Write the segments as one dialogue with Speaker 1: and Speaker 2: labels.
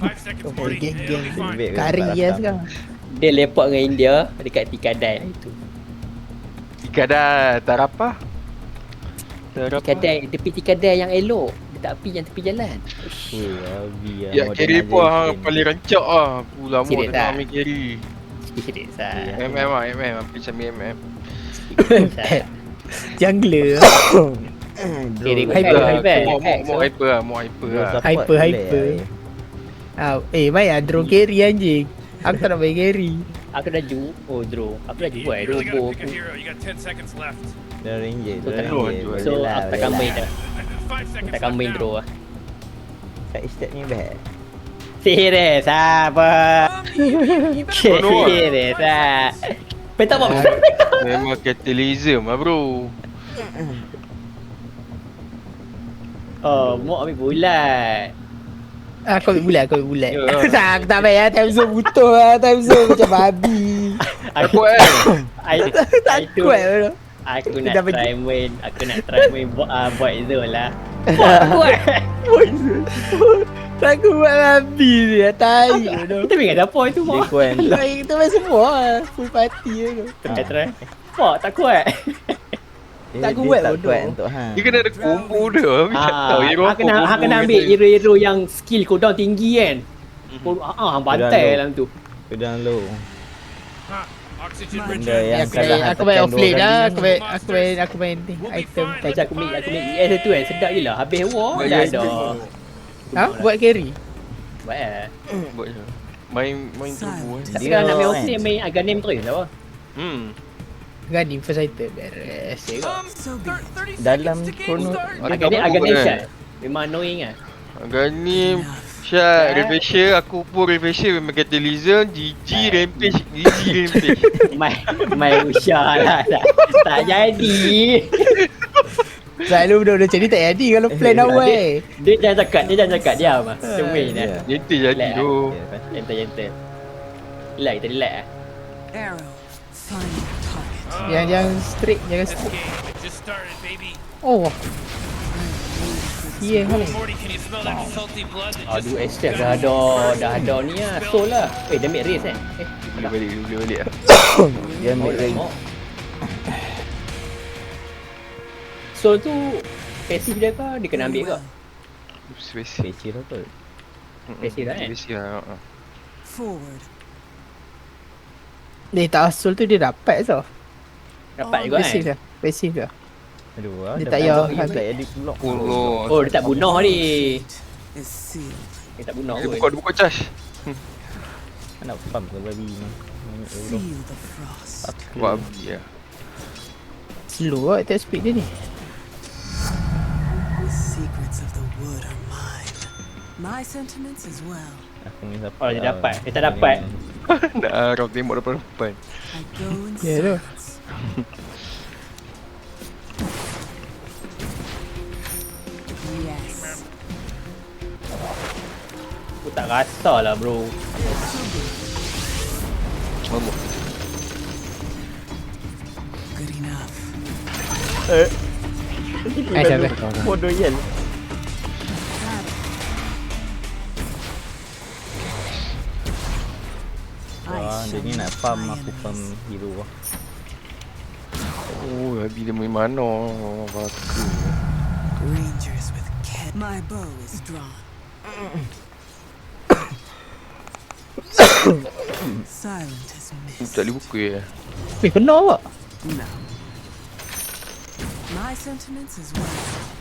Speaker 1: Geng-geng
Speaker 2: Lebih
Speaker 1: kari
Speaker 2: belakang.
Speaker 1: ya sekarang.
Speaker 3: Dia lepak dengan India dekat Tikadai lah itu.
Speaker 4: Tikadai tak apa.
Speaker 3: Tikadai, tepi Tikadai yang elok. Dia tak pergi yang tepi jalan.
Speaker 2: Weh, Abi lah.
Speaker 4: Ya carry pun paling rancak ah. Lama
Speaker 3: Serius
Speaker 4: tengah
Speaker 3: tak?
Speaker 4: ambil carry.
Speaker 3: Sikit sah.
Speaker 4: Hampir macam MM.
Speaker 1: Jungler.
Speaker 3: Carry
Speaker 2: Drone.
Speaker 3: hyper,
Speaker 4: Ah,
Speaker 3: hyper.
Speaker 4: More hyper lah, more hyper
Speaker 2: Drone
Speaker 4: lah.
Speaker 2: support
Speaker 1: Hyper,
Speaker 2: boleh
Speaker 1: hyper.
Speaker 2: lah.
Speaker 1: Baik lah draw carry anjing. Aku tak nak main carry.
Speaker 3: Aku dah ju. Oh, draw. Aku dah ju buat robo aku.
Speaker 2: Dah ranger.
Speaker 3: So, tak
Speaker 4: Drone,
Speaker 2: Boleh
Speaker 3: So,
Speaker 2: lah,
Speaker 3: aku takkan
Speaker 2: boleh
Speaker 3: main
Speaker 2: lah.
Speaker 3: dah. Takkan main draw lah.
Speaker 2: Side step ni best.
Speaker 3: Serius apa?
Speaker 4: Bodoh lah.
Speaker 3: Serius ah. Petak apa?
Speaker 4: Memang catalysm lah bro.
Speaker 3: Oh, mau ambil bulat.
Speaker 1: Aku ambil bulat.
Speaker 4: Ya.
Speaker 1: Tak, aku tak main lah. Time zone butuh lah. Time zone macam babi.
Speaker 4: Takut kan?
Speaker 1: Takut lah.
Speaker 3: Aku
Speaker 1: Dah
Speaker 3: nak try main. Aku nak try main buat zone lah. Buat.
Speaker 1: Takut buat babi dia. Tai tu.
Speaker 3: Kita ingat apa itu
Speaker 2: Dia
Speaker 3: mau.
Speaker 2: kuat.
Speaker 1: Kita main semua lah. Full party tu.
Speaker 3: Try. Wah, tak kuat.
Speaker 1: Tak
Speaker 2: Dia
Speaker 1: kuat
Speaker 2: tak
Speaker 1: bodoh.
Speaker 2: kuat untuk hang.
Speaker 4: Dia kena ada combo dia. Aku tak tahu hero
Speaker 3: Hang kena ambil hero-hero yang skill cooldown tinggi kan. Hang bantai dalam tu.
Speaker 2: Pedang low. Benda
Speaker 1: Ya,
Speaker 2: yang kalau hang
Speaker 1: aku main
Speaker 2: tekan
Speaker 1: offlane
Speaker 2: dua
Speaker 1: lah.
Speaker 2: kali
Speaker 1: Aku main ni. Item.
Speaker 3: Macam aku make ES tu kan sedap je lah. Habis war dah ada.
Speaker 1: Ha? Buat carry?
Speaker 3: Buat lah.
Speaker 4: Buat je. Main turbo
Speaker 3: Tak
Speaker 2: Dia
Speaker 3: sekarang nak main
Speaker 2: kan.
Speaker 3: offlane main Aghanim terus apa?
Speaker 1: Gani first item. Beres.
Speaker 2: dalam chrono
Speaker 3: Aghanim shot. Memang annoying lah.
Speaker 4: Ganim Syat, Revision, aku pun Revision memang catalysm, GG, Rampage, GG, Rampage.
Speaker 3: Main usah lah. Tak jadi.
Speaker 1: Selalu benda macam ni tak jadi kalau plan awal.
Speaker 3: Dia jangan cakap, diam lah. Dia main lah.
Speaker 4: Nanti jadi
Speaker 3: Relax.
Speaker 4: tu.
Speaker 3: Gentle. Relax, kita relax lah.
Speaker 1: Yang straight, jangan straight. Oh. Iya kan.
Speaker 3: Aduh, SF dah ada ni lah. Soul lah. Damage race kan?
Speaker 4: Boleh balik lah.
Speaker 2: dia ambil range.
Speaker 3: Soul tu pasif dia ke? Dia kena ambil ke?
Speaker 4: Spesial.
Speaker 2: Kecil apa?
Speaker 3: Spesial lah kan?
Speaker 4: Spesial.
Speaker 1: Dia tak asal tu dia dapat tau.
Speaker 3: Dapat juga kan?
Speaker 1: Pasif dah. Pasif dah.
Speaker 2: Aduh,
Speaker 1: Dia
Speaker 2: dah
Speaker 1: tak
Speaker 2: banyak
Speaker 1: payah
Speaker 2: tak edit block.
Speaker 3: Oh, dia tak bunuh ni. Dia tak bunuh
Speaker 4: Dia
Speaker 3: pun.
Speaker 4: buka charge.
Speaker 2: Nak pump ke babi ni.
Speaker 4: Buat habis lah.
Speaker 1: Slow lah attack speed dia ni.
Speaker 5: My sentiments as well.
Speaker 2: Aku ni dapat.
Speaker 3: Oh, dia dapat. Dia tak dapat.
Speaker 4: Nak harap tembok depan.
Speaker 5: I go in
Speaker 1: Ya tu.
Speaker 5: silence. Yes.
Speaker 3: Aku tak rasa lah bro.
Speaker 4: Mama.
Speaker 5: Good enough.
Speaker 1: Siapa?
Speaker 2: Bodoh yel. Wah, dia ni nak farm, aku farm hero lah.
Speaker 4: Oh, habis dia main mana? Baka.
Speaker 5: Rangers with cat. My bow is drawn. Silent as mist.
Speaker 4: Tak boleh buka ya.
Speaker 1: Kena tak?
Speaker 5: No. My sentiments as well.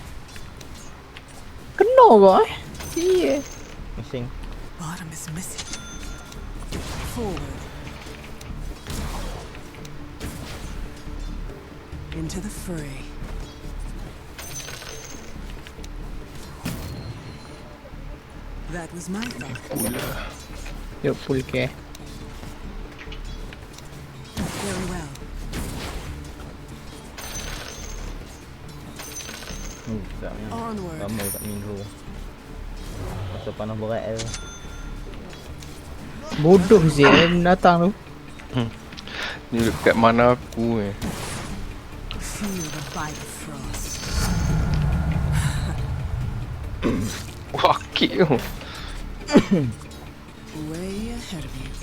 Speaker 1: Kena tak Iya.
Speaker 2: Pusing.
Speaker 5: Bottom is missing. Forward. Into the fray. That was my thought.
Speaker 1: Yuk full care.
Speaker 5: Very well.
Speaker 2: Tak ni.
Speaker 5: Onward.
Speaker 2: Lama kat Minho. Pasal panah berat tu.
Speaker 1: Bodoh je datang tu.
Speaker 4: Ni dekat mana aku ni.
Speaker 5: Feel the bite of frost.
Speaker 4: Wah, kek tu.
Speaker 5: Way ahead of you.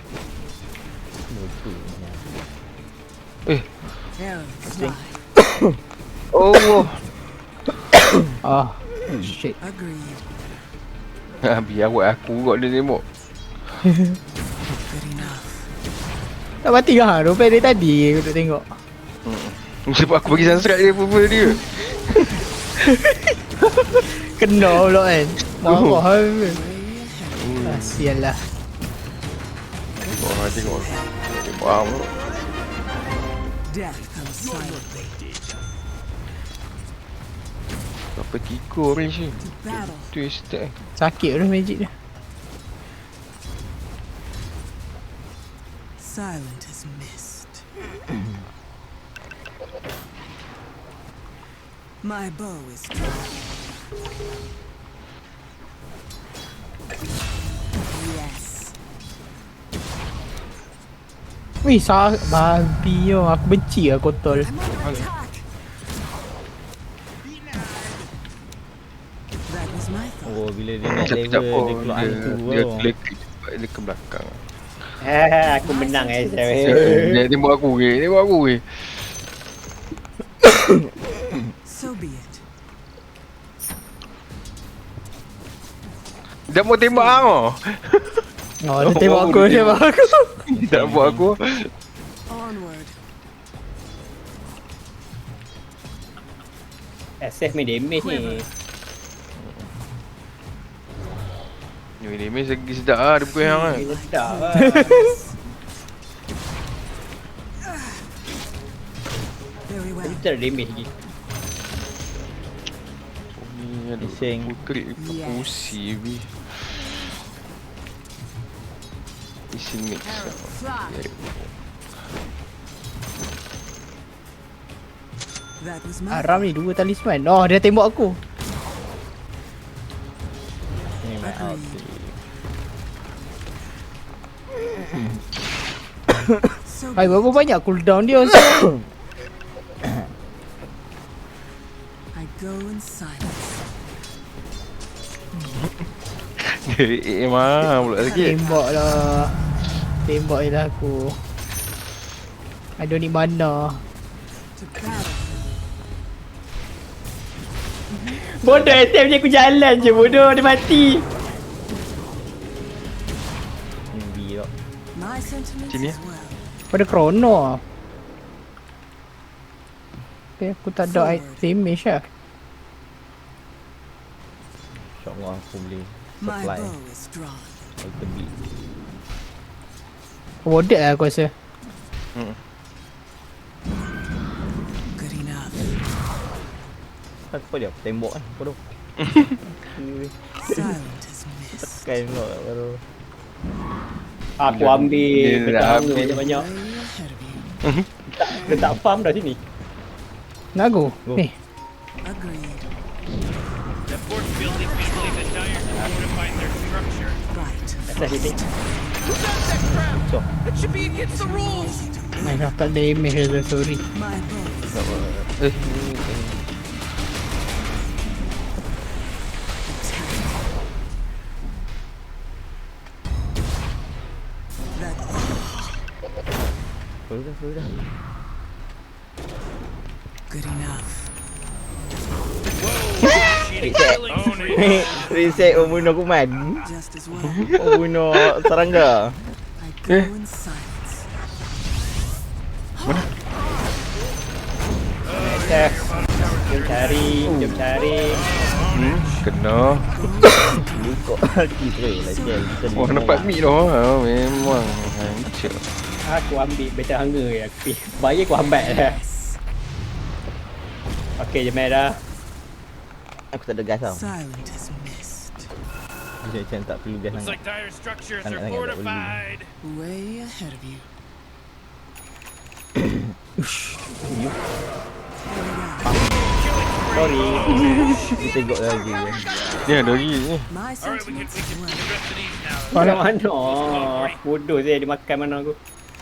Speaker 5: Arrow fly.
Speaker 4: Oh.
Speaker 1: Ah, shit.
Speaker 5: Agreed.
Speaker 4: Biar buat aku kot dia tembak.
Speaker 5: Good enough.
Speaker 1: Tak mati ke hang? Rupanya dari tadi aku tengok.
Speaker 4: Sebab aku bagi sunstrike dia apa dia.
Speaker 1: Kena pula kan. Marah kan.
Speaker 5: Way ahead.
Speaker 1: Kasian lah.
Speaker 4: Tengok. Faham tu.
Speaker 5: Death comes silently.
Speaker 4: Apa tikur ni sih?
Speaker 5: To battle.
Speaker 4: Twisted.
Speaker 1: Sakit tu magic dia.
Speaker 5: Silent as mist. My bow is drawn. Yes.
Speaker 1: Wih, babi yo. Aku benci lah kotor.
Speaker 5: I'm under attack. That was my thought.
Speaker 2: Oh, bila dia naik
Speaker 4: Sekejap
Speaker 2: level, dia keluar hantu
Speaker 4: dia
Speaker 2: tau.
Speaker 4: dia ke belakang.
Speaker 3: Aku menang saya.
Speaker 4: Dia tembak aku ke.
Speaker 5: So be it.
Speaker 4: Dia mau tembak kau.
Speaker 1: Oh, dia tembak aku, dia tembak aku.
Speaker 4: Tak buat aku.
Speaker 5: Onward.
Speaker 3: SF main damage ni.
Speaker 4: Ni mes lagi sedap ah dia bukan hang kan.
Speaker 3: Sedap lah.
Speaker 5: Very well.
Speaker 3: Kita ada damage lagi.
Speaker 4: Ni ada
Speaker 2: Bising.
Speaker 4: krik pusi bi. Isi mix.
Speaker 5: Fly. That was my
Speaker 1: Haram ni 2 talisman. Oh, dia tembak aku.
Speaker 2: Ni main out.
Speaker 5: so
Speaker 1: Hai, berapa banyak cooldown dia?
Speaker 5: I go in silence.
Speaker 4: Mah pula sikit.
Speaker 1: Tembak lah. Tembak je lah aku. I don't need mana.
Speaker 5: To battle.
Speaker 3: Bodoh SF je aku jalan je bodoh. Dia mati.
Speaker 2: Ni tau.
Speaker 5: My sentiments
Speaker 4: Sini,
Speaker 5: as well.
Speaker 1: Pada krono lah. Tapi aku tak ada damage lah.
Speaker 2: Shot gua aku boleh
Speaker 5: My
Speaker 2: supply.
Speaker 5: bow is drawn.
Speaker 2: Item beat.
Speaker 1: Warded lah aku rasa.
Speaker 5: Good enough.
Speaker 2: Apa dia? Tembok kan? Bodoh.
Speaker 5: Silent as mist.
Speaker 2: Tekan pula baru.
Speaker 3: Aku ambil
Speaker 4: Dia dah
Speaker 3: petang
Speaker 4: habis.
Speaker 3: banyak-banyak.
Speaker 5: Way ahead of you.
Speaker 3: Dia tak farm dah sini.
Speaker 1: Nak go?
Speaker 2: Go.
Speaker 1: Ni.
Speaker 5: Agreed.
Speaker 6: The force field is using the dire to fortify their structure.
Speaker 5: Right.
Speaker 3: Atas sini.
Speaker 6: That should be against the rules.
Speaker 1: Main tak damage lah, sorry.
Speaker 5: My bow is that
Speaker 2: Sudah.
Speaker 5: good enough.
Speaker 2: Reset bunuh kuman.
Speaker 5: Just as well.
Speaker 2: Bunuh serangga.
Speaker 5: I go in silence.
Speaker 3: SF. Jom cari.
Speaker 4: Kena.
Speaker 2: Kok kita lagi.
Speaker 4: Wah nampak mid dah. Memang hancur.
Speaker 3: Aku ambil better hunger je. Aku bayar aku hambat lah. Okey je merah.
Speaker 2: Aku tak ada gas tau.
Speaker 5: Silent as mist.
Speaker 2: Macam tak perlu gas
Speaker 6: Looks
Speaker 2: sangat.
Speaker 6: like dire structures
Speaker 2: Sangat
Speaker 6: are
Speaker 2: tak boleh.
Speaker 6: fortified.
Speaker 5: Way ahead of you.
Speaker 3: Sorry.
Speaker 2: Kita tengok lagi kan.
Speaker 4: Ni ada lagi ni.
Speaker 5: My
Speaker 6: Alright, we can
Speaker 5: sentiments
Speaker 6: we
Speaker 5: as
Speaker 6: can
Speaker 5: well.
Speaker 6: do the rest of these now.
Speaker 3: Mana? Bodoh saya dia makan mana aku.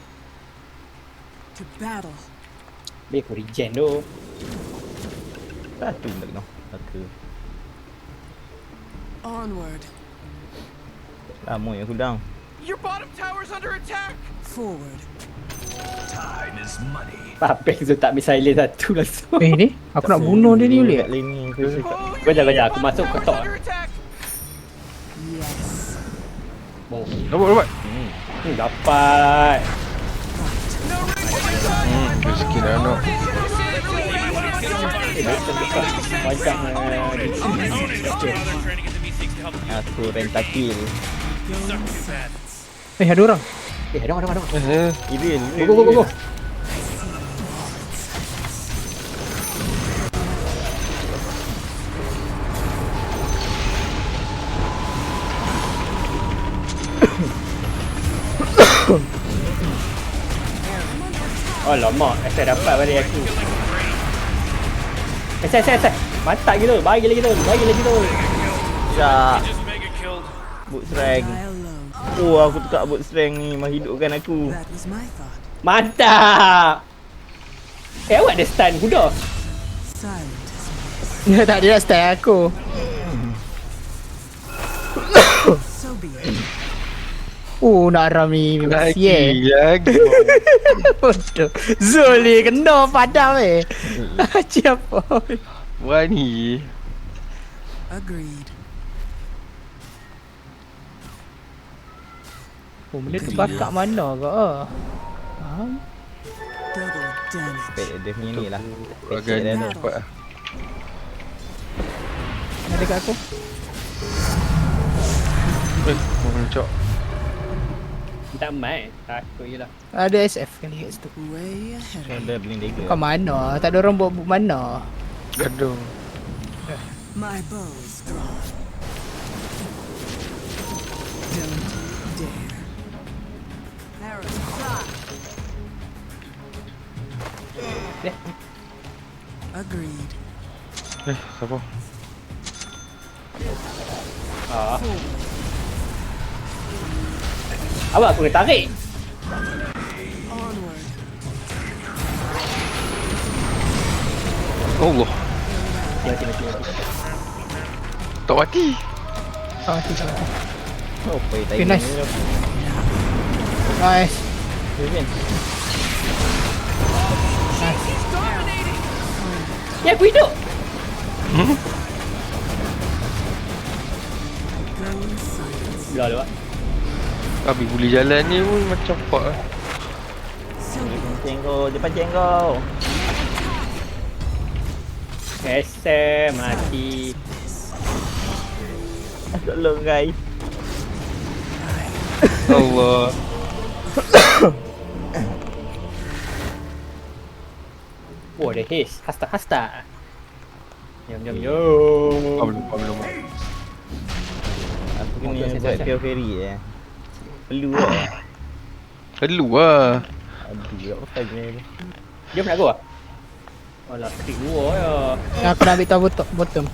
Speaker 5: To battle.
Speaker 3: Biar aku regen tu.
Speaker 2: Satu tak kena. Satu.
Speaker 5: Onward.
Speaker 2: Lama yang cooldown.
Speaker 6: Your bottom tower's under attack.
Speaker 5: Forward.
Speaker 3: Papek tu tak ambil silent satu langsung.
Speaker 1: Ni aku nak bunuh dia ni boleh
Speaker 2: Kat
Speaker 1: tak?
Speaker 2: lane ni aku cakap.
Speaker 3: Kau jangan aku masuk kau tok.
Speaker 6: Under attack.
Speaker 5: Yes.
Speaker 3: Oh,
Speaker 4: Dapat.
Speaker 3: dapat.
Speaker 4: Rezeki dah nak.
Speaker 3: Macam
Speaker 6: They're trying to get the V6 to help the
Speaker 2: Aku rentakill.
Speaker 6: suck too bad.
Speaker 1: Ada orang.
Speaker 3: ada.
Speaker 2: Irin.
Speaker 3: Go. Alamak, saya dapat balik aku. Saya. Mantap gila, bagi lagi tu.
Speaker 2: Syak.
Speaker 6: Just mega killed.
Speaker 2: Boot strength.
Speaker 5: Die alone.
Speaker 2: Oh, aku tukar boot strength ni. Menghidupkan aku.
Speaker 5: That was my thought.
Speaker 3: Mantap. Awak ada stun kuda.
Speaker 5: Silent as
Speaker 1: Dia tak dia nak style aku.
Speaker 5: so be it.
Speaker 1: Nak ram ni.
Speaker 4: Lagi.
Speaker 1: Bodoh. Zuli kena padam Siapa?
Speaker 4: Wani.
Speaker 5: Agreed.
Speaker 1: Benda tu bakar mana ke? Faham?
Speaker 5: Double damage.
Speaker 2: Dia punya ni lah.
Speaker 4: Agak
Speaker 2: Dia tu.
Speaker 4: dapat.
Speaker 1: Ada kat aku.
Speaker 4: Mencok.
Speaker 3: Tak main. Takut je lah.
Speaker 1: Ada SF kali kat situ.
Speaker 5: Way ahead of
Speaker 2: Dia beli dagger.
Speaker 1: Kau mana? Tak ada orang buat mana?
Speaker 4: Gaduh.
Speaker 5: my bow is drawn. Don't dare. Arrow shot. Agreed.
Speaker 4: Siapa?
Speaker 3: Awak aku kena tarik.
Speaker 5: Onward.
Speaker 4: Allah.
Speaker 3: Mati.
Speaker 4: Tak mati.
Speaker 1: Tiga.
Speaker 2: Oh, pay
Speaker 1: Okay, nice. Nice.
Speaker 2: Vivian.
Speaker 3: Ya aku hidup.
Speaker 5: Go in silence.
Speaker 3: Belah lewat.
Speaker 4: Habis boleh jalan ni pun macam pak lah.
Speaker 5: So be it.
Speaker 2: Pancing kau. Dia pancing kau.
Speaker 3: SM mati.
Speaker 2: Tolong guys.
Speaker 4: Allah.
Speaker 3: Oh ada haste. Hasta. Jom.
Speaker 4: Belum.
Speaker 2: Aku kena
Speaker 3: Okay,
Speaker 2: buat
Speaker 3: siap.
Speaker 2: pure fairy Perlu lah.
Speaker 4: Perlu lah.
Speaker 2: Aduh, apa saja ni.
Speaker 3: Jom nak go ah. Alah, klik dua ya.
Speaker 1: Aku nak ambil tahu bottom.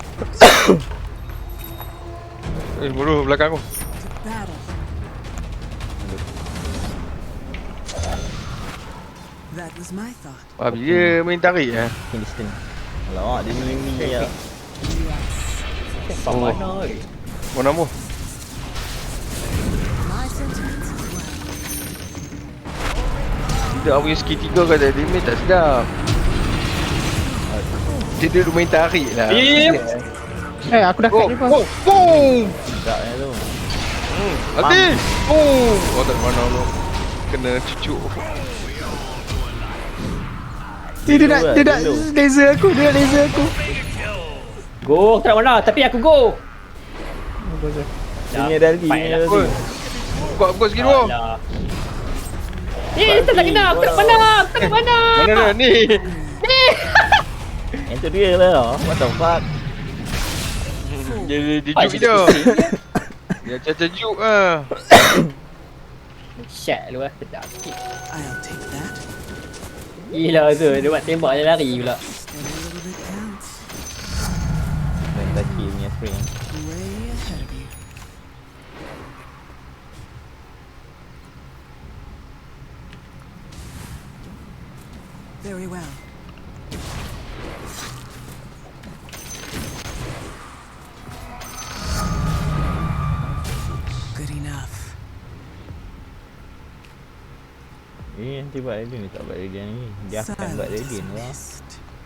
Speaker 4: Bodoh belakang aku.
Speaker 5: To battle. That was my thought.
Speaker 4: Habis dia main tarik lah.
Speaker 2: Distance. Alamak, dia ni ya.
Speaker 3: Sampai mana ni?
Speaker 4: Mau nama?
Speaker 5: My sentiments as well.
Speaker 4: Tidak, aku punya skill 3 kata damage tak sedap. Dia duduk main tarik lah.
Speaker 1: Aku dah kat dia pun.
Speaker 4: Boom!
Speaker 2: Tak tu.
Speaker 4: Habis! Boom! Oh tak mana tu. Kena cucuk.
Speaker 1: Dia nak laser aku.
Speaker 3: Go, tak nak mana tapi aku go.
Speaker 2: Dia punya dalgi.
Speaker 4: Oi. Buat skill 2.
Speaker 3: Alah. Tak kena. Aku tak mana.
Speaker 4: Mana dah ni?
Speaker 2: Yang tu dia lah. What the fuck?
Speaker 4: Dia juk dia. Dia caca-juk lah.
Speaker 3: Shit lu lah. Sedap sikit.
Speaker 5: I'll take that.
Speaker 3: Gila tu. Dia buat tembak dia lari pula.
Speaker 5: Every little bit counts.
Speaker 2: Rentaki punya spring.
Speaker 5: Way ahead of you. Very well. Good enough.
Speaker 2: Nanti buat Radiant ni tak buat Radiant ni. Dia akan buat
Speaker 5: Silent as
Speaker 2: Radiant
Speaker 5: a
Speaker 2: lah.
Speaker 5: mist.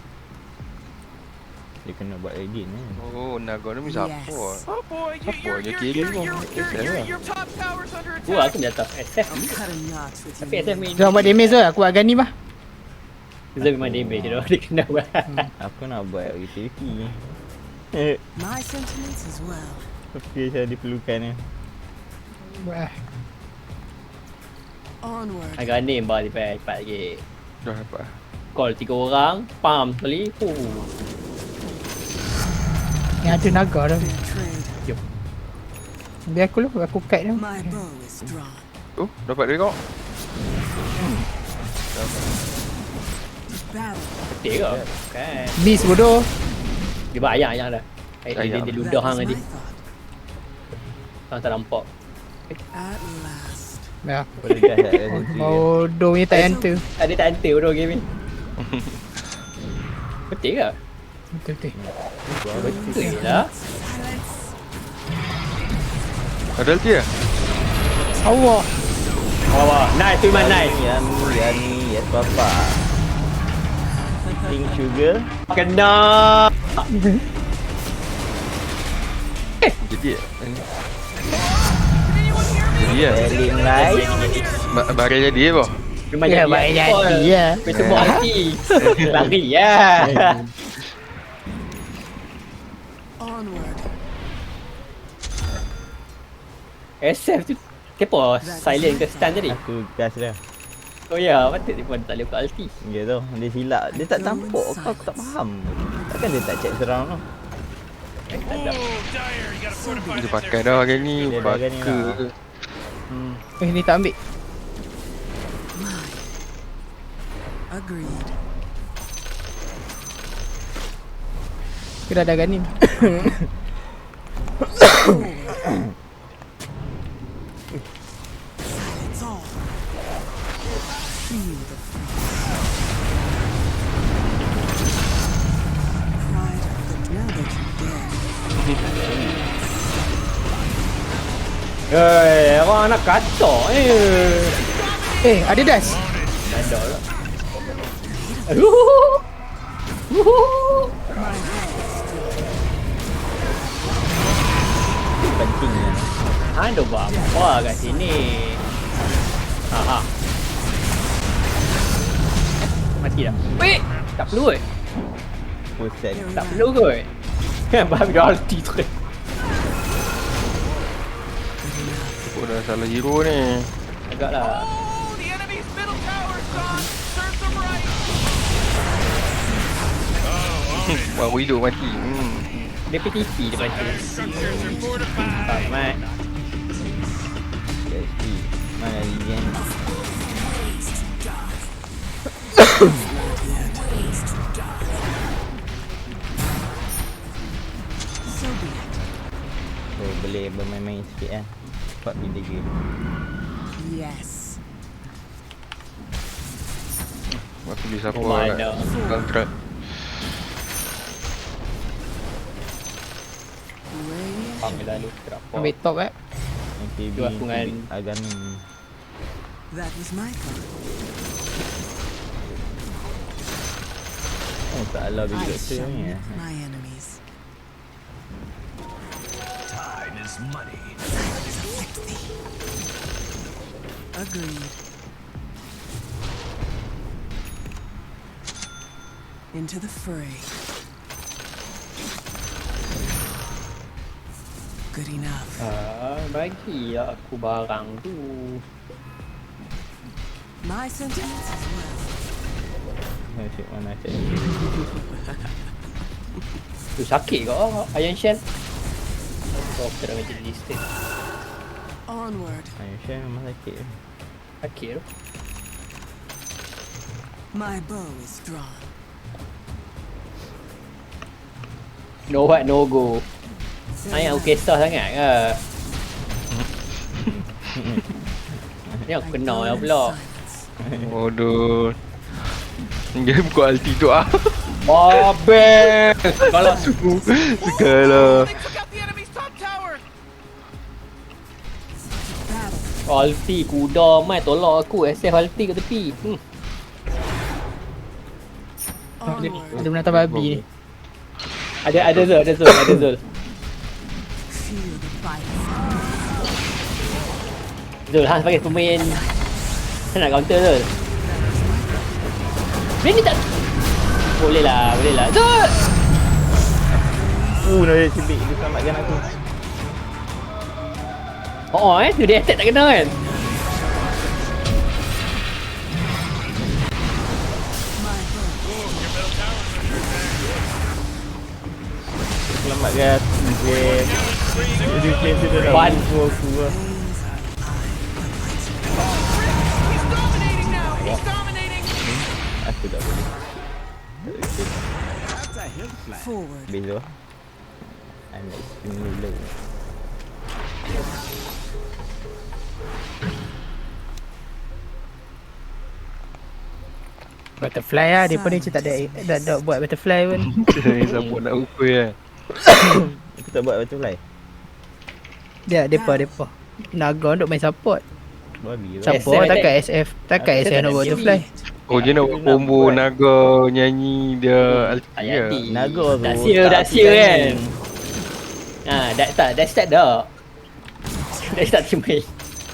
Speaker 2: Dia kena buat Radiant ni.
Speaker 4: Oh, Naga ni siapa?
Speaker 5: Yes.
Speaker 6: Oh boy,
Speaker 4: Apa dia kira kau?
Speaker 6: your top tower's under
Speaker 3: Gua
Speaker 6: attack.
Speaker 3: aku di atas SF.
Speaker 5: I'm cutting knots with
Speaker 3: Tapi
Speaker 5: you.
Speaker 3: SF main.
Speaker 1: Jangan buat damage tu, aku buat Aghanim lah.
Speaker 3: Zul memang damage tu. Dia kena buat.
Speaker 2: Aku nak buat utility.
Speaker 5: My sentiments as well.
Speaker 2: Tapi saya diperlukan ni.
Speaker 1: Buat lah.
Speaker 5: Onward.
Speaker 3: Agak ni mbak cepat lagi.
Speaker 4: Dah apa?
Speaker 3: Call 3 orang, pam sekali.
Speaker 1: Yang ada naga dah.
Speaker 5: Fair trade.
Speaker 1: Biar aku lah, aku cut dia.
Speaker 5: My bow is drawn.
Speaker 4: Oh, dapat dia kau?
Speaker 5: Battle.
Speaker 3: Betul ke? Kan.
Speaker 1: Beast bodoh.
Speaker 3: Dia buat ayam dah. Dia ludah
Speaker 5: That
Speaker 3: hang
Speaker 5: was
Speaker 3: tadi.
Speaker 5: my thought.
Speaker 3: Hang tak nampak.
Speaker 5: At last.
Speaker 1: Dah.
Speaker 2: Boleh dah tak ada sendiri.
Speaker 1: Bodoh punya tak enter.
Speaker 3: Ada tak enter bodoh game ni. Betul ke?
Speaker 1: Betul-betul.
Speaker 3: Betul lah.
Speaker 5: Silence.
Speaker 4: Ada ulti lah?
Speaker 1: Allah.
Speaker 3: Wah, nice tu man, nice.
Speaker 2: Yani, yes papa. Pink sugar.
Speaker 3: Kena.
Speaker 4: Jadi ya?
Speaker 2: Selling light.
Speaker 4: Barang jadi apa?
Speaker 3: Memang
Speaker 1: Ya,
Speaker 3: jadi
Speaker 1: baik
Speaker 3: apa.
Speaker 1: jadi ya.
Speaker 3: Betul buat hati. Lari ya.
Speaker 5: Onward.
Speaker 3: SF tu kepo silent ke stun tadi?
Speaker 2: Aku gas dah.
Speaker 3: Oh ya, patut dia pun tak boleh buka ulti.
Speaker 2: Dia tu, dia silap. Dia tak tampak kau, aku tak faham. Takkan dia tak check surround tu.
Speaker 6: Oh, Dire, you gotta fortify
Speaker 4: Dia
Speaker 6: this
Speaker 4: pakai
Speaker 6: area.
Speaker 4: dah hari ni.
Speaker 2: Dia dah hari ni
Speaker 4: Baka.
Speaker 2: lah.
Speaker 1: Ni tak ambil.
Speaker 5: Agreed.
Speaker 1: Kita dah ada Aghanim.
Speaker 5: Silence all. Feel the pride of the now that you're dead.
Speaker 3: Orang anak kacau
Speaker 1: Ada dash.
Speaker 3: Ada lah.
Speaker 2: Penting lah.
Speaker 3: Ada buat apa kat sini? Ha. Mati dah. Wait, tak perlu ke?
Speaker 2: Pusat.
Speaker 3: Tak perlu ke? Babi dah ulti tu.
Speaker 4: Oh, dah salah hero ni.
Speaker 3: Agaklah.
Speaker 6: Oh, the enemy's middle tower's gone. Serve them right.
Speaker 4: Baru hidup mati.
Speaker 3: Dia PTP depan tu.
Speaker 6: Structures are fortified.
Speaker 3: Tak mat.
Speaker 2: Jadi, mana Lian?
Speaker 5: So be it.
Speaker 2: Oh, boleh bermain-main sikit lah. Cepat pilih game.
Speaker 5: Yes.
Speaker 4: Aku beli siapa
Speaker 3: Oh, mana.
Speaker 4: kontrak.
Speaker 5: Radiant.
Speaker 3: Panggilan lu terapa.
Speaker 1: Ambil top
Speaker 2: MKB,
Speaker 3: Dua aku dengan-
Speaker 2: Aghanim.
Speaker 5: That was my thought.
Speaker 2: Oh, tak ala bagi
Speaker 5: I
Speaker 2: doktor
Speaker 5: shall
Speaker 2: ni
Speaker 5: nip
Speaker 2: eh.
Speaker 5: my enemies.
Speaker 6: Time is money.
Speaker 5: Afflict thee. Agreed. Into the fray. Good enough.
Speaker 3: Bagi aku barang tu.
Speaker 5: My sentiments as well.
Speaker 2: Asyik mana asyik.
Speaker 3: Tu sakit ke Iron Shell? Oh, kita dah macam listed.
Speaker 5: Onward.
Speaker 2: Ayuh Syah memang sakit.
Speaker 3: Sakit tu.
Speaker 5: My bow is drawn.
Speaker 3: No what, no go. Ayah aku kisah sangat ke? Ni aku kenal lah pula.
Speaker 4: Bodoh. Dia buka ulti tu ah.
Speaker 3: Babel! Kalau
Speaker 4: Segala.
Speaker 6: They took out the enemy's top tower.
Speaker 3: Ulti kuda mai tolak aku. SF ulti kat tepi.
Speaker 5: Onward.
Speaker 1: Ada binatang babi ni.
Speaker 3: Ada Zul.
Speaker 5: Feel the fight.
Speaker 3: Zul, Hans pakai pemain. Saya nak counter Zul. Ini tak. Boleh lah. Zul!
Speaker 2: Dia cibik, dia selamatkan aku.
Speaker 3: Tu dia attack tak kena kan?
Speaker 2: Selamatkan dia. Dia claim tu dah
Speaker 3: One.
Speaker 2: aku lah. Aku tak boleh.
Speaker 5: Forward.
Speaker 2: Bezo. I'm extremely low.
Speaker 1: Butterfly lah. Dia pun ni macam tak ada buat butterfly pun.
Speaker 4: Ni siapa nak rupa kan.
Speaker 2: Aku tak buat butterfly.
Speaker 1: Depa. Naga untuk main support.
Speaker 2: Babi lah.
Speaker 1: Siapa
Speaker 3: SF
Speaker 1: takkan SF. Takkan SF nak buat butterfly.
Speaker 4: Oh dia nak buat combo naga nyanyi dia ulti
Speaker 3: Tak
Speaker 4: ke?
Speaker 3: jadi.
Speaker 2: Naga tu.
Speaker 3: Dah sia kan. Dah start dah. Dah start main.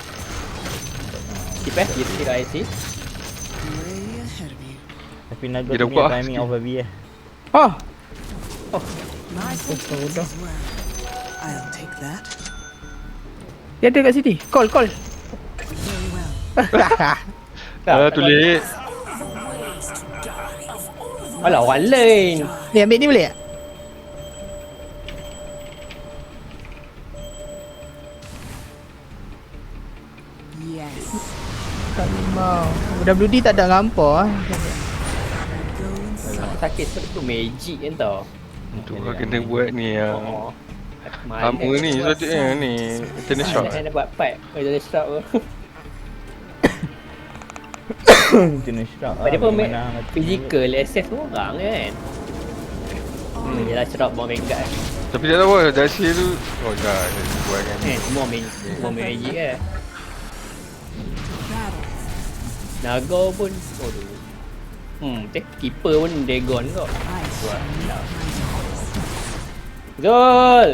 Speaker 3: Keep IC.
Speaker 5: Way ahead of you.
Speaker 2: Tapi naga
Speaker 4: Dia
Speaker 2: tu
Speaker 4: buat
Speaker 2: punya timing of a V
Speaker 1: Oh,
Speaker 5: My sentiments as well. I'll take that.
Speaker 1: dia ada kat sini. Call.
Speaker 5: Very well.
Speaker 4: Tulis.
Speaker 3: Alah orang lain.
Speaker 1: Ni ambil ni boleh tak?
Speaker 5: Yes.
Speaker 1: Tak mau. WD tak ada ngampar.
Speaker 5: Go inside.
Speaker 3: Sakit tu magic kan tau.
Speaker 4: Tu kau kena buat ni yang
Speaker 3: Main
Speaker 4: Lama ni sepatutnya ni Tennis shot.
Speaker 3: Saya nak buat pipe. Tennis shot tu.
Speaker 2: Kena shock
Speaker 3: Sebab dia pun main physical SF tu orang kan. Yelah cerap bawah Vanguard.
Speaker 4: Tapi tak tahu lah Darcy tu. Oh dah dia buat kan.
Speaker 3: Semua main magic kan.
Speaker 5: Battle.
Speaker 3: Naga pun keeper pun Dagon kau.
Speaker 5: I shall not.
Speaker 3: Zul!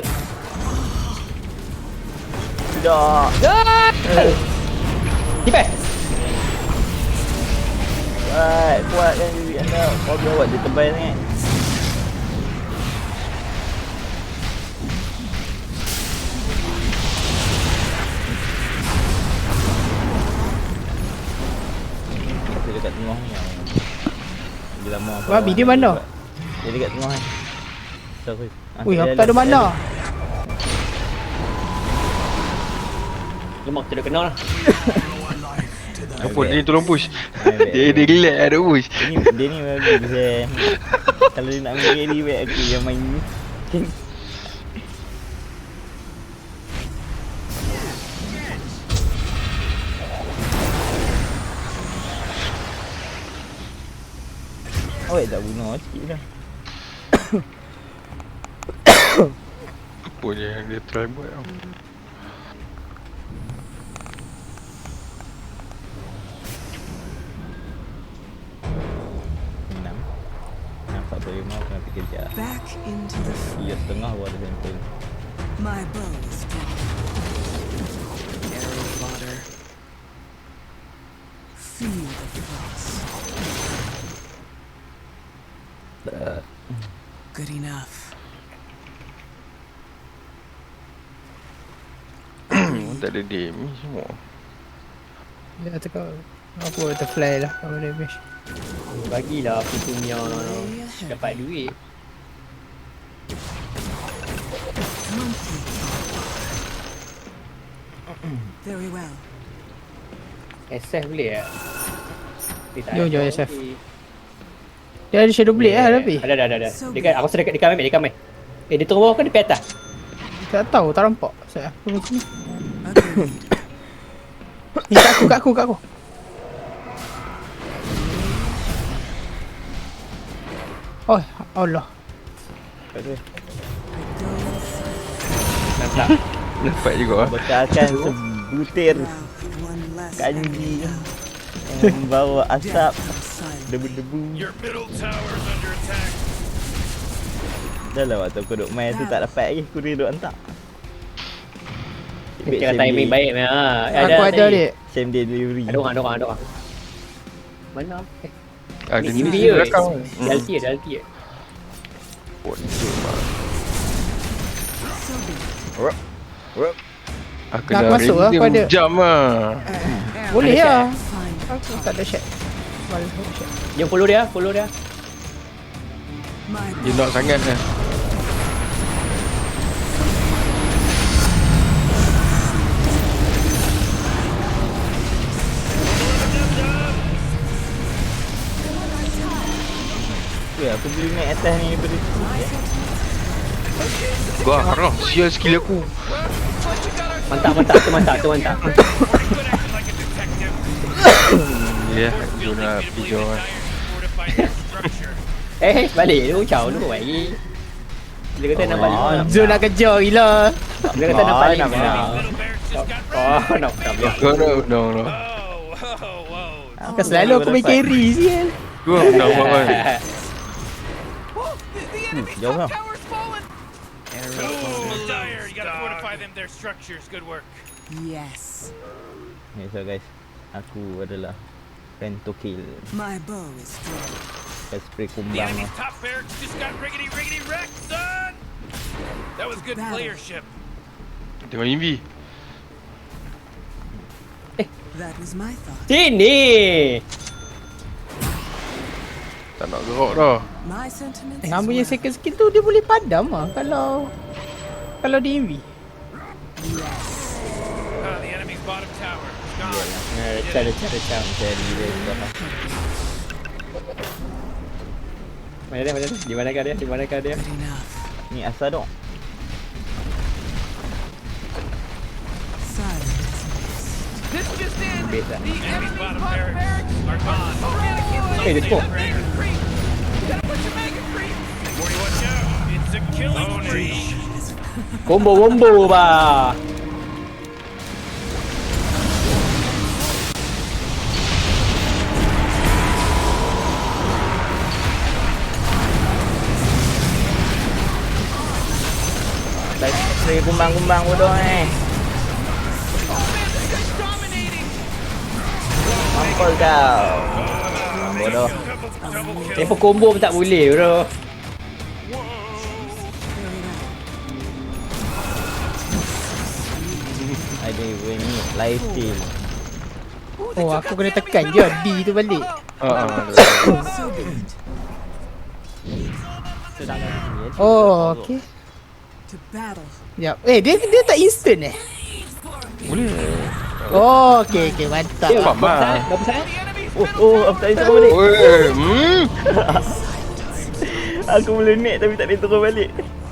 Speaker 2: Tidak.
Speaker 3: Zul! Tipe!
Speaker 2: Kuat kan diri anda. Kau biar buat dia tebal sangat. Dia dekat tengah ni yang dia lama apa.
Speaker 1: Babi dia mana?
Speaker 2: Dia dekat tengah ni. Sorry.
Speaker 1: Ui, aku tak ada mana.
Speaker 3: Lemak tu dah kenal lah.
Speaker 4: Apa dia ni tolong push. Dia relax ada push.
Speaker 2: Dia ni bagus kalau dia nak ambil carry baik aku yang main ni. Awak tak bunuh sikit dah.
Speaker 4: Apa je yang dia try buat tau.
Speaker 2: Nampak tu memang kena fikir sekejap.
Speaker 5: Back into the
Speaker 2: Dia setengah baru ada handphone.
Speaker 5: My bow is drawn. Arrow fodder. Feel the frost. Good enough.
Speaker 4: Tak ada damage semua.
Speaker 1: Dia kata kau apa butterfly lah kalau damage.
Speaker 3: Bagilah aku punya dapat duit.
Speaker 5: Monkey. Very well.
Speaker 3: SF boleh tak?
Speaker 1: Jom, SF. Dia ada shadow blade lah tapi.
Speaker 3: Ada. Dekat aku rasa dekat main. Dia turun bawah ke dia pergi atas?
Speaker 1: Tak tahu, tak nampak. Saya aku macam ni.
Speaker 5: Agreed.
Speaker 1: Ni kat aku. Oh, Allah.
Speaker 3: Nampak.
Speaker 4: Dapat juga lah.
Speaker 2: Bekalkan sebutir.
Speaker 5: Wow. last
Speaker 2: Kanji
Speaker 5: enemy now.
Speaker 2: membawa asap
Speaker 5: Death of silence.
Speaker 2: debu-debu.
Speaker 6: Your middle tower is under attack.
Speaker 2: Dah lah waktu aku duk main tu tak dapat lagi. Aku duduk hantar.
Speaker 3: Kira timing baik ni.
Speaker 1: Aku ada ni.
Speaker 2: Same day delivery.
Speaker 3: Ada orang. Mana?
Speaker 4: Ada
Speaker 3: Ni
Speaker 4: ni
Speaker 3: dia.
Speaker 4: belakang.
Speaker 3: Dalti.
Speaker 4: Boncuk mak.
Speaker 2: Rup.
Speaker 4: Aku
Speaker 1: Nak
Speaker 4: dah
Speaker 1: masuk lah,
Speaker 4: ready
Speaker 1: aku ada.
Speaker 4: jam lah.
Speaker 1: Boleh
Speaker 3: Ada
Speaker 1: lah.
Speaker 5: Find
Speaker 1: Aku tak ada shot. Malas aku shot.
Speaker 3: Yang follow dia.
Speaker 5: my
Speaker 4: Dia nak sangat lah.
Speaker 2: Ya, aku boleh naik atas ni daripada tu.
Speaker 4: Gua harap sial skill aku.
Speaker 3: Mantap.
Speaker 6: Pretty good acting like a detective.
Speaker 4: Ya,
Speaker 6: Fort
Speaker 4: dia
Speaker 6: building
Speaker 4: nak
Speaker 6: me to believe
Speaker 4: pijau
Speaker 6: the
Speaker 4: lah.
Speaker 6: Dire fortified their structure.
Speaker 3: Balik lu caw lu lagi. Dia kata nak balik.
Speaker 1: Zul nak kejar gila.
Speaker 3: Dia kata nak balik.
Speaker 2: nak balik.
Speaker 6: Middle barracks just got
Speaker 3: Nak biar.
Speaker 4: No.
Speaker 6: Oh, whoa.
Speaker 1: Kan selalu aku main carry sial.
Speaker 4: Gua nak buat kan.
Speaker 2: Jauh lah.
Speaker 6: Oh, Dire, you gotta fortify their structures. Good work.
Speaker 5: yes.
Speaker 2: Okay, so guys, aku adalah Pento Kill.
Speaker 5: My bow is strong.
Speaker 2: Saya spray
Speaker 6: The
Speaker 2: kumbang
Speaker 6: enemy's
Speaker 2: lah.
Speaker 6: top barracks just got riggedy wrecked, son! That was good
Speaker 5: Battle.
Speaker 6: playership.
Speaker 4: Tengok Invi.
Speaker 5: That was my thought.
Speaker 3: Sini.
Speaker 4: Tak nak gerak dah.
Speaker 5: My sentiments.
Speaker 1: Hang
Speaker 5: as
Speaker 1: punya
Speaker 5: well.
Speaker 1: second skill tu dia boleh padam lah kalau di EV.
Speaker 6: The enemy's bottom tower is gone.
Speaker 3: Cara.
Speaker 2: Jadi dia dah.
Speaker 3: Mana dia? Di manakah dia?
Speaker 5: Good enough.
Speaker 2: Ni asal dong.
Speaker 5: Silence.
Speaker 3: Base lah.
Speaker 6: The enemy's bottom barracks are gone.
Speaker 3: Dia smoke.
Speaker 6: 40, watch out. It's a killing spree.
Speaker 3: Combo ba.
Speaker 2: Spray kumbang-kumbang bodoh ni. Mampus kau. Bodoh.
Speaker 6: Double kill.
Speaker 3: Tempo combo pun tak boleh bro.
Speaker 2: Ada ni live steal.
Speaker 1: Oh aku kena tekan je D tu balik.
Speaker 5: So be it.
Speaker 1: Oh okey.
Speaker 5: To battle.
Speaker 1: Sekejap. Dia tak instant
Speaker 4: Boleh.
Speaker 1: Oh okey mantap.
Speaker 4: Faham lah.
Speaker 3: Berapa saat?
Speaker 2: Oh, aku tak boleh turun balik.
Speaker 4: Oi,
Speaker 2: Aku boleh naik tapi tak boleh turun balik.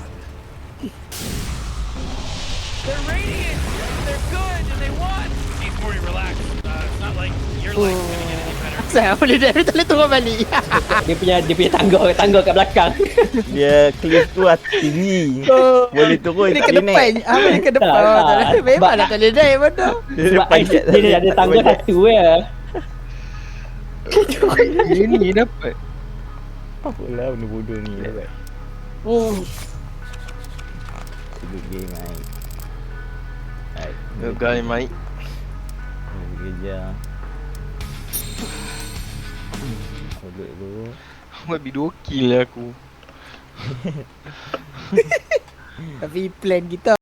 Speaker 6: They're radiant. They're good and they won. He's more relaxed. It's not like your life's gonna get any better.
Speaker 1: Saya boleh dia tak boleh turun balik.
Speaker 3: Dia punya tangga kat belakang.
Speaker 2: Dia cliff tu tinggi.
Speaker 1: Oh.
Speaker 2: Boleh turun
Speaker 1: Dia
Speaker 2: tak
Speaker 1: ke
Speaker 2: boleh
Speaker 1: depan.
Speaker 2: naik.
Speaker 1: Dia ke depan.
Speaker 3: Tak.
Speaker 1: Memang nak tak boleh naik bodoh.
Speaker 2: Dia
Speaker 3: Sebab
Speaker 2: panjat
Speaker 3: dia ada tangga satu ya.
Speaker 4: Ini dapat.
Speaker 2: Apalah benda bodoh ni dapat. Good game mai. Alright.
Speaker 4: Good guy, mate.
Speaker 2: Kerja. Duduk dulu.
Speaker 4: Buat video kill aku.
Speaker 1: Tapi plan kita